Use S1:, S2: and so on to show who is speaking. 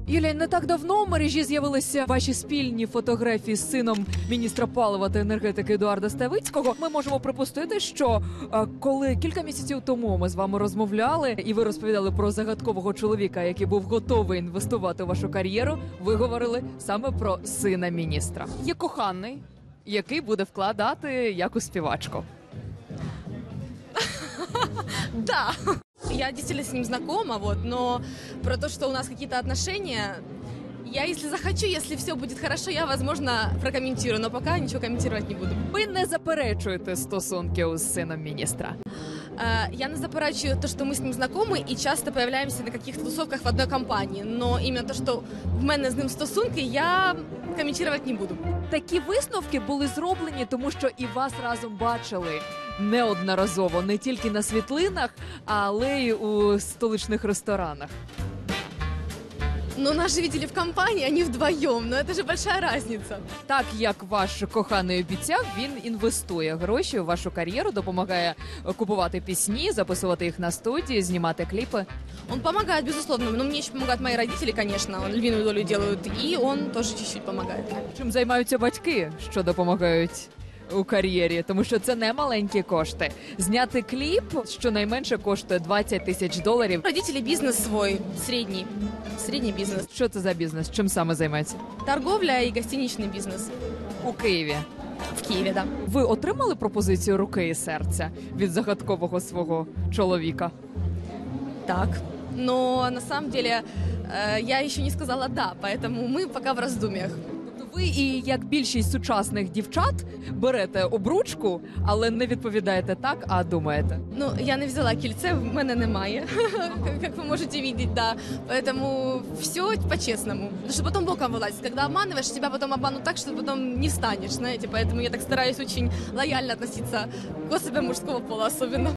S1: Юлія, не так давно в мережі з'явилися ваші спільні фотографії з сином міністра палива та енергетики Едуарда Ставицького. Ми можемо припустити, що коли кілька місяців тому ми з вами розмовляли, і ви розповідали про загадкового чоловіка, який був готовий інвестувати у вашу кар'єру, ви говорили саме про сина міністра. Є коханий, який буде вкладати як у співачку.
S2: Да. Я действительно с ним знакома, но про то, что у нас какие-то отношения, я, если захочу, если все будет хорошо, я, возможно, прокомментирую, но пока ничего комментировать не буду.
S1: Ви не заперечуєте стосунки з сином міністра?
S2: Я не заперечую то, что мы с ним знакомы и часто появляемся на каких-то тусовках в одной компании, но именно то, что в мене з ним стосунки, я комментировать не буду.
S1: Такі висновки були зроблені, тому що і вас разом бачили неодноразово, не тільки на світлинах, але й у столичних ресторанах.
S2: Но нас же видели в компании, а не вдвоем, но это же большая разница.
S1: Так, як ваш коханий обіцяв, він інвестує гроші у вашу кар'єру, допомагає купувати пісні, записувати їх на студії, знімати кліпи.
S2: Он помогает, безусловно, но мне еще помогают мои родители, конечно, львиную долю делают, и он тоже чуть-чуть помогает.
S1: Чим займаються батьки, що допомагають у кар'єрі? Тому що це не маленькі кошти. Зняти кліп щонайменше коштує $20,000.
S2: Родители бизнес свой, средний бизнес.
S1: Що це за бізнес? Чим саме займається?
S2: Торговля и гостиничный бизнес.
S1: У Києві.
S2: В Киеве, да.
S1: Ви отримали пропозицію руки і серця від загадкового свого чоловіка?
S2: Так. Но на самом деле я еще не сказала «да», поэтому мы пока в раздумьях.
S1: Тобто ви і, як більшість сучасних дівчат, берете обручку, але не відповідаєте так, а думаєте?
S2: Ну, я не взяла кільце, в мене немає, как вы можете видеть, да. Поэтому все по-честному. Потому что потом боком вылазит. Когда обманываешь, тебя потом обманут так, что потом не встанешь, знаете. Поэтому я так стараюсь очень лояльно относиться к особям мужского пола особенно.